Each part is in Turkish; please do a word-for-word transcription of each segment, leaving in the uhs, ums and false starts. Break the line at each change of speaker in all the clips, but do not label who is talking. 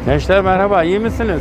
Gençler merhaba, iyi misiniz?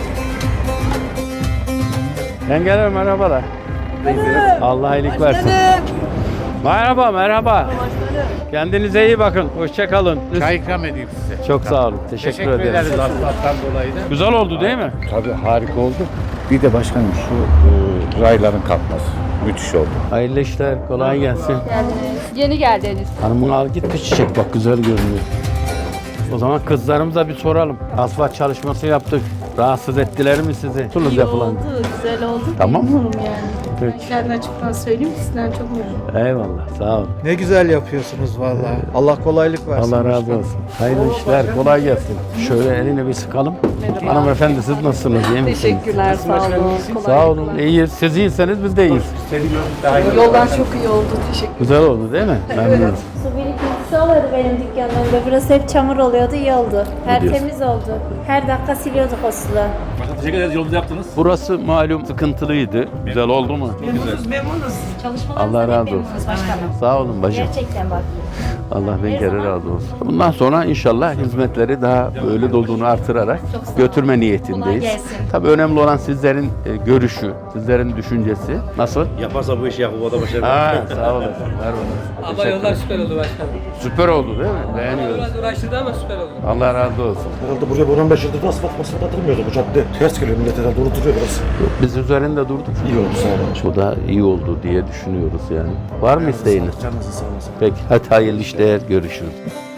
Yengeler merhabalar. Allah iyilik versin. Merhaba, merhaba. Kendinize iyi bakın, hoşça kalın.
Çay ikram edeyim size.
Çok sağ olun, teşekkür,
Teşekkür
ederim.
ederiz asfalttan dolayı da.
Güzel oldu değil mi?
Tabii harika oldu. Bir de başkanım şu e, rayların kalkması müthiş oldu.
Hayırlı işler, kolay gelsin.
Yeni geldiniz.
Hanımın al git bir çiçek bak, güzel görünüyor. O zaman kızlarımıza bir soralım. Asfalt çalışması yaptık. Rahatsız ettiler mi sizi? Suluz
İyi
yapılan.
oldu, güzel oldu.
Tamam.
Memnunum yani.
Peki.
Kendine açıktan söyleyeyim ki sizden çok memnunum.
Eyvallah, sağ olun.
Ne güzel yapıyorsunuz vallahi. Allah kolaylık versin.
Allah razı olsun. Hayırlı işler, kolay gelsin. Şöyle elini bir sıkalım. Hanımefendi siz nasılsınız, iyi misiniz?
Teşekkürler, sağ olun. Kolay.
Sağ olun, iyiyiz. Siz iyiyseniz biz de iyiyiz.
Yoldan çok iyi oldu, teşekkür
Güzel oldu değil mi? Memnunuz.
Su birikintisi oluyordu benim dükkanlarımda. Burası hep çamur oluyordu, iyi oldu. Her
diyorsun?
temiz oldu. Her dakika siliyorduk o suları.
Teşekkür ederiz, yolunuzu yaptınız.
Burası malum sıkıntılıydı. Güzel oldu mu? Allah razı olsun. Sağ olun bacım.
Gerçekten bak.
Allah bin kere razı olsun. Bundan sonra inşallah hizmetleri daha böyle dolduğunu artırarak götürme niyetindeyiz.
Kolay gelsin.
Tabii önemli olan sizlerin e, görüşü, sizlerin düşüncesi. Nasıl?
Yaparsa bu işi Yakup'a başarılı.
Ha, sağ olasın. Ver bana.
Ama yollar süper oldu başkanım.
Süper oldu değil mi? Beğeniyoruz.
Biraz uğraştırdı ama süper oldu.
Allah razı olsun.
Herhalde buraya bu on beş yıldır da asfalt masrafı atılmıyordu bu cadde. Ters geliyor millet herhalde unutuyor biraz.
Biz üzerinde durduk.
İyi oldu sağ olun.
Bu da iyi oldu diye düşünüyoruz yani. Var mı isteğiniz?
Canınızı sağ olasın.
Peki hadi hayırlı işler, görüşürüz.